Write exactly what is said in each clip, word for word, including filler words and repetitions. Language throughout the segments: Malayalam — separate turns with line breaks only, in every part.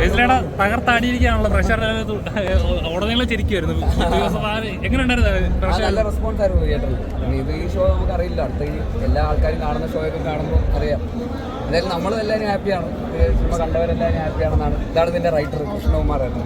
ബേസിലേടെ തകർത്താടിയിരിക്കാണല്ലോ പ്രഷർ ഉടനീളം ചിരിക്കുമായിരുന്നു. എങ്ങനെയുണ്ടായിരുന്നു?
നല്ല റെസ്പോൺസ് ആയിരുന്നു തിയേറ്ററിൽ. ഇത് ഈ ഷോ നമുക്ക് അറിയില്ല, അടുത്ത ഈ എല്ലാ ആൾക്കാരും കാണുന്ന ഷോയൊക്കെ കാണുമ്പോൾ അറിയാം. എന്തായാലും നമ്മളും എല്ലാവരും ഹാപ്പിയാണ്, സിനിമ കണ്ടവരെല്ലാവരും ഹാപ്പിയാണെന്നാണ്. ഇതാണ് ഇതിൻ്റെ റൈറ്റർ കൃഷ്ണകുമാറായിരുന്നു.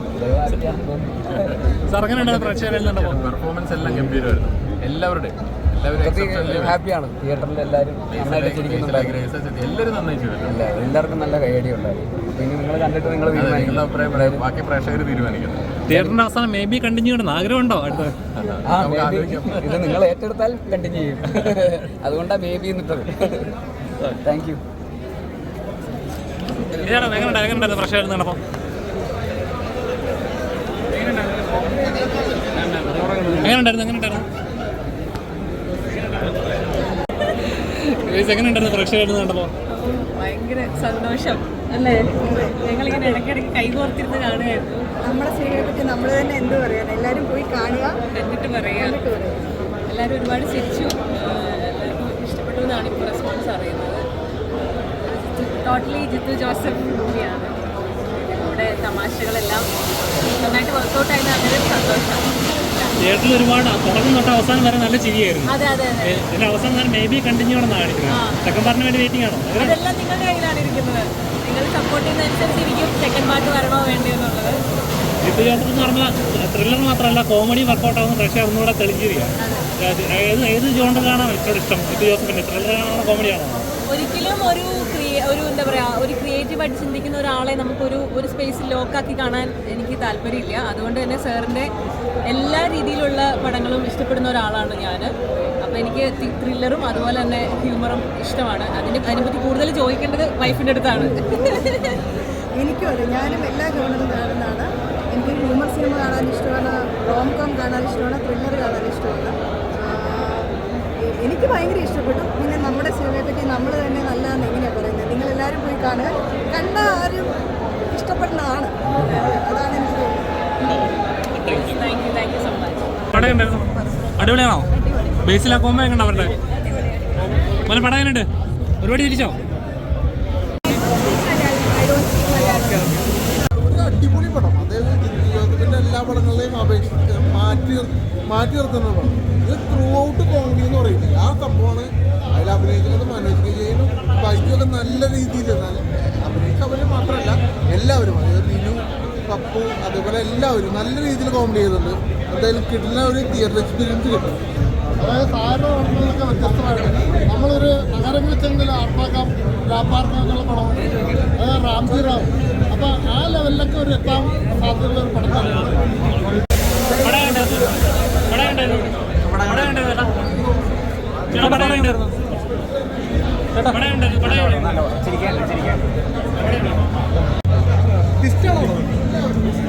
പെർഫോമൻസ് എല്ലാം ഗംഭീരമായിരുന്നു. എല്ലാവരുടെയും
ഹാപ്പിയാണ്. തിയേറ്ററിൽ എല്ലാവരും നന്നായിട്ട് ചിരിക്കുന്നുണ്ടായിരുന്നു.
എല്ലാവരും നന്നായി ചെയ്തിട്ടുണ്ട്.
എല്ലാവർക്കും നല്ല കൈയടി ഉണ്ടായിരുന്നു. പിന്നെ നിങ്ങൾ കണ്ടിട്ട് നിങ്ങൾ
നിങ്ങളുടെ അഭിപ്രായം ബാക്കി പ്രേക്ഷകർ തീരുമാനിക്കുന്നത്.
തിയേറ്ററിന്റെ അവസാനം മേ ബി കണ്ടിന്യൂ ചെയ്യണം ആഗ്രഹമുണ്ടോ? അടുത്ത
ഇത് നിങ്ങൾ ഏറ്റെടുത്താൽ കണ്ടിന്യൂ ചെയ്യും. അതുകൊണ്ടാണ് മേ ബി എന്നിട്ടത്. Thank you.
എങ്ങനെയുണ്ടായിരുന്നു പ്രഷർ നടപ്പം? എങ്ങനെയുണ്ടായിരുന്നു എങ്ങനെയുണ്ടായിരുന്നു എങ്ങനെയുണ്ടായിരുന്നു പ്രേക്ഷകരായിരുന്നു കണ്ടപ്പോൾ?
ഭയങ്കര സന്തോഷം അല്ലേ? ഞങ്ങളിങ്ങനെ ഇടയ്ക്കിടയ്ക്ക് കൈകോർത്തിരുന്ന് കാണുകയായിരുന്നു.
നമ്മുടെ സിനിമയെ പറ്റി നമ്മൾ തന്നെ എന്ത് പറയാൻ, എല്ലാവരും പോയി കാണുക,
എന്നിട്ട് പറയാം. എല്ലാവരും ഒരുപാട് ചിരിച്ചു, എല്ലാവർക്കും ഇഷ്ടപ്പെട്ടു എന്നാണ് ഇപ്പോൾ റെസ്പോൺസ് അറിയുന്നത്. ടോട്ടലി ജിത്തു ജോസഫ് മൂവിയാണ്. ഇതിലൂടെ തമാശകളെല്ലാം നന്നായിട്ട് വർക്കൗട്ട് ആയത് വളരെ സന്തോഷം.
തിയേറ്ററിൽ ഒരുപാട് തുടക്കം തൊട്ട് അവസാനം വരെ നല്ല ചിരിയായിരുന്നു.
അതെ അതെ അതെ.
ഇതിന്റെ അവസാനം മേ ബി കണ്ടിന്യൂ ആണെന്ന് കാണിക്കുന്നത്. സെക്കൻഡ് പാർട്ടിന് വേണ്ടി വെയിറ്റിംഗ് ആണോ?
അതെല്ലാം നിങ്ങളുടെ കയ്യിലാണ് ഇരിക്കുന്നത്. നിങ്ങൾ സപ്പോർട്ട് ചെയ്യുന്നതനുസരിച്ചിരിക്കും സെക്കൻഡ് പാർട്ട് വരണോ വേണ്ടോ എന്നുള്ളത്.
ജിത്തു ജോസഫ് എന്ന് പറഞ്ഞാൽ ത്രില്ലർ മാത്രമല്ല കോമഡി വർക്കൗട്ട് ആവുന്ന പ്രേക്ഷകർ ഒന്നുകൂടെ തെളിഞ്ഞിരിക്കുക. ഏത് ഏത് ജോണ്ടറിലാണ് ഏറ്റവും ഇഷ്ടം ജിത്തു ജോസഫിന്റെ? ത്രില്ലറാണോ കോമഡിയാണോ?
ഒരിക്കലും ഒരു ഒരു എന്താ പറയുക, ഒരു ക്രിയേറ്റീവായിട്ട് ചിന്തിക്കുന്ന ഒരാളെ നമുക്കൊരു ഒരു സ്പേസിൽ ലോക്കാക്കി കാണാൻ എനിക്ക് താല്പര്യമില്ല. അതുകൊണ്ട് തന്നെ സാറിൻ്റെ എല്ലാ രീതിയിലുള്ള പടങ്ങളും ഇഷ്ടപ്പെടുന്ന ഒരാളാണ് ഞാൻ. അപ്പോൾ എനിക്ക് ത്രില്ലറും അതുപോലെ തന്നെ ഹ്യൂമറും ഇഷ്ടമാണ്. അതിന് അതിനെപ്പറ്റി കൂടുതൽ ചോദിക്കേണ്ടത് വൈഫിൻ്റെ അടുത്താണ്.
എനിക്കും അതെ, ഞാനും എല്ലാ ജോണറും കാണുന്നതാണ്. എനിക്ക് ഹ്യൂമർ സിനിമ കാണാൻ ഇഷ്ടമാണ്, റോം കോം കാണാൻ ഇഷ്ടമാണ്, ത്രില്ലർ കാണാൻ ഇഷ്ടമാണ്. എനിക്ക് ഭയങ്കര ഇഷ്ടപ്പെട്ടു. പിന്നെ നമ്മുടെ സിനിമയെ പറ്റി നമ്മൾ തന്നെ നല്ലതെന്ന് എങ്ങനെയാണ് പറയുന്നത്? നിങ്ങളെല്ലാവരും പോയി കാണുക, കണ്ട ആരും ഇഷ്ടപ്പെടുന്നതാണ്. അതാണ് എനിക്ക് തോന്നുന്നത്.
അടിപൊളിയാണോ? ബേസിലാ കോമ്പോ എങ്ങനെ അവരുടെ മോനെ പടം എങ്ങനെയുണ്ട്? ഒരുപാട് തിരിച്ചോ?
അടിപൊളി പടം. അതായത് ജിത്തു ജോസഫിന്റെ എല്ലാ പടങ്ങളെയും അപേക്ഷിച്ച് മാറ്റി മാറ്റി നിർത്തുന്ന പടം. ഇത് ത്രൂ ഔട്ട് കോമഡി എന്ന് പറയുന്നത് ആ സംഭവമാണ്. അതിൽ അഭിനയിക്കുന്നത് മനോജ് വിജയനും ബൈക്കൊക്കെ നല്ല രീതിയിൽ അഭിനയിച്ചവർ മാത്രമല്ല എല്ലാവരും, അതായത് ലിനു, പപ്പു, അതേപോലെ എല്ലാവരും നല്ല രീതിയിൽ കോമഡി ചെയ്തിട്ടുണ്ട്. എന്തായാലും കിട്ടുന്ന ഒരു തിയേറ്റർ എക്സ്പീരിയൻസ് കിട്ടും. അതായത് സാധാരണ പടങ്ങളിലൊക്കെ വ്യത്യസ്തമായിട്ട് നമ്മളൊരു നഗരങ്ങളിൽ ചെന്നെങ്കിൽ ആർപ്പാക്കാം ലാപ്പാർക്കാം എന്നുള്ള പടം, അതായത് റാംജി റാം. അപ്പം ആ ലെവലിലൊക്കെ ഒരു എത്താൻ സാധ്യതയുള്ള ഒരു പടം തന്നെയാണ്.
ചിരിക്കാൻ ചിരിക്കാൻ
ഇഷ്ടമാണോ?